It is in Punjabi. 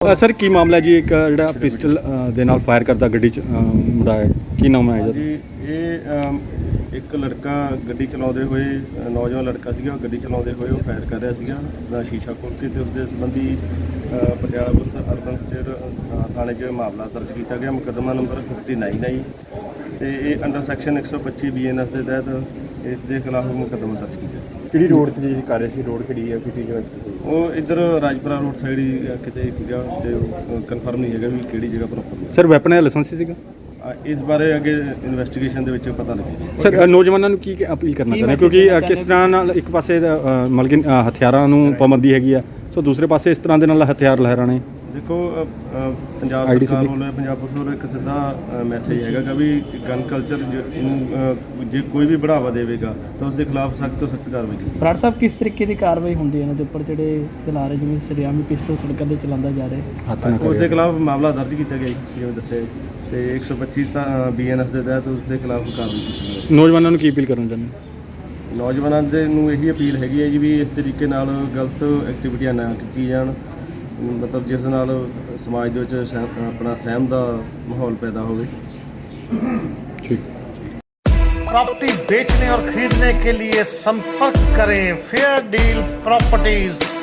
ਸਰ ਕੀ ਮਾਮਲਾ ਜੀ ਇੱਕ ਜਿਹੜਾ ਪਿਸਟਲ ਦੇ ਨਾਲ ਫਾਇਰ ਕਰਦਾ ਗੱਡੀ 'ਚ ਮੁੰਡਾ ਹੈ, ਕੀ ਨਾਮ ਹੈ ਜੀ? ਇਹ ਇੱਕ ਲੜਕਾ ਗੱਡੀ ਚਲਾਉਂਦੇ ਹੋਏ, ਨੌਜਵਾਨ ਲੜਕਾ ਸੀਗਾ, ਗੱਡੀ ਚਲਾਉਂਦੇ ਹੋਏ ਉਹ ਫਾਇਰ ਕਰ ਰਿਹਾ ਸੀਗਾ ਦਾ ਸ਼ੀਸ਼ਾ ਖੋਲ੍ਹ ਕੇ, ਤੇ ਉਸਦੇ ਸੰਬੰਧੀ ਪਟਿਆਲਾ ਪੁਲਿਸ ਅਰਬਨ ਸਟੇਟ ਥਾਣੇ 'ਚ ਮਾਮਲਾ ਦਰਜ ਕੀਤਾ ਗਿਆ। ਮੁਕੱਦਮਾ ਨੰਬਰ 59 ਹੈ ਜੀ, ਤੇ ਇਹ ਅੰਡਰ ਸੈਕਸ਼ਨ 125 BNS ਦੇ ਤਹਿਤ ਇਸ ਦੇ ਖਿਲਾਫ ਮੁਕੱਦਮਾ ਦਰਜ ਕੀਤਾ। ਕਿਹੜੀ ਰੋਡ ਤੇ ਜੀ ਕਰ ਰਹੇ ਸੀ? ਰੋਡ ਕਿਹੜੀ ਹੈ, ਕਿਹੜੀ ਜਗ੍ਹਾ? ਉਹ ਇੱਧਰ ਰਾਜਪੁਰਾ ਰੋਡ ਸਾਈਡ ਹੀ ਕਿਤੇ ਸੀਗਾ, ਤੇ ਕਨਫਰਮ ਨਹੀਂ ਹੈਗਾ ਵੀ ਕਿਹੜੀ ਜਗ੍ਹਾ ਪ੍ਰੋਪਰ। ਸਰ ਵੈਪਨ ਦਾ ਲਾਇਸੈਂਸ ਸੀਗਾ? ਇਸ ਬਾਰੇ ਅੱਗੇ ਇਨਵੈਸਟੀਗੇਸ਼ਨ ਦੇ ਵਿੱਚ ਪਤਾ ਲੱਗੇਗਾ। ਸਰ ਨੌਜਵਾਨਾਂ ਨੂੰ ਕੀ ਅਪੀਲ ਕਰਨਾ ਚਾਹੁੰਦੇ ਕਿਉਂਕਿ ਕਿਸ ਤਰ੍ਹਾਂ ਨਾਲ ਇੱਕ ਪਾਸੇ ਮਤਲਬ ਕਿ ਹਥਿਆਰਾਂ ਨੂੰ ਪਾਬੰਦੀ ਹੈਗੀ ਆ, ਸੋ ਦੂਸਰੇ ਪਾਸੇ ਇਸ ਤਰ੍ਹਾਂ ਦੇ ਨਾਲ ਹਥਿਆਰ ਲਹਿਰਾਣੇ? ਦੇਖੋ ਪੰਜਾਬ ਸਰਕਾਰ ਵੱਲੋਂ, ਪੰਜਾਬ ਪੁਲਿਸ ਵੱਲੋਂ ਇੱਕ ਸਿੱਧਾ ਮੈਸੇਜ ਹੈਗਾ ਕਿ ਵੀ ਗਨ ਕਲਚਰ ਨੂੰ ਜੇ ਕੋਈ ਵੀ ਬੜਾਵਾ ਦੇਵੇਗਾ ਤਾਂ ਉਸ ਦੇ ਖਿਲਾਫ ਸਖਤ ਤੋਂ ਸਖਤ ਕਾਰਵਾਈ ਕੀਤੀ। ਬਰਾੜ ਸਾਹਿਬ, ਕਿਸ ਤਰੀਕੇ ਦੀ ਕਾਰਵਾਈ ਹੁੰਦੀ ਹੈ ਇਹਨਾਂ ਦੇ ਉੱਪਰ ਜਿਹੜੇ ਚਲਾ ਰਹੇ, ਜਿਵੇਂ ਸਰਿਆਮੀ ਪਿਸਟਲ ਸੜਕਾਂ 'ਤੇ ਚਲਾਉਂਦਾ ਜਾ ਰਿਹਾ? ਉਸ ਦੇ ਖਿਲਾਫ ਮਾਮਲਾ ਦਰਜ ਕੀਤਾ ਗਿਆ ਜੀ, ਜਿਵੇਂ ਦੱਸਿਆ, ਤੇ 125 ਤਾਂ BNS ਦੇ ਤਹਿਤ ਉਸ ਦੇ ਖਿਲਾਫ ਕਾਰਵਾਈ ਕੀਤੀ ਗਈ। ਨੌਜਵਾਨਾਂ ਨੂੰ ਕੀ ਅਪੀਲ ਕਰਨਾ ਚਾਹੁੰਦੇ? ਨੌਜਵਾਨਾਂ ਦੇ ਨੂੰ ਇਹੀ ਅਪੀਲ ਹੈਗੀ ਹੈ ਜੀ ਵੀ ਇਸ ਤਰੀਕੇ ਨਾਲ ਗਲਤ ਐਕਟੀਵਿਟੀਆਂ ਨਾ ਕੀਤੀ ਜਾਣ, ਮਤਲਬ ਜਿਸ ਨਾਲ ਸਮਾਜ ਦੇ ਵਿੱਚ ਆਪਣਾ ਸਹਿਮ ਦਾ ਮਾਹੌਲ पैदा होवे। ठीक। प्रॉपर्टी बेचने और खरीदने के लिए संपर्क करें फेयर डील प्रॉपर्टीज।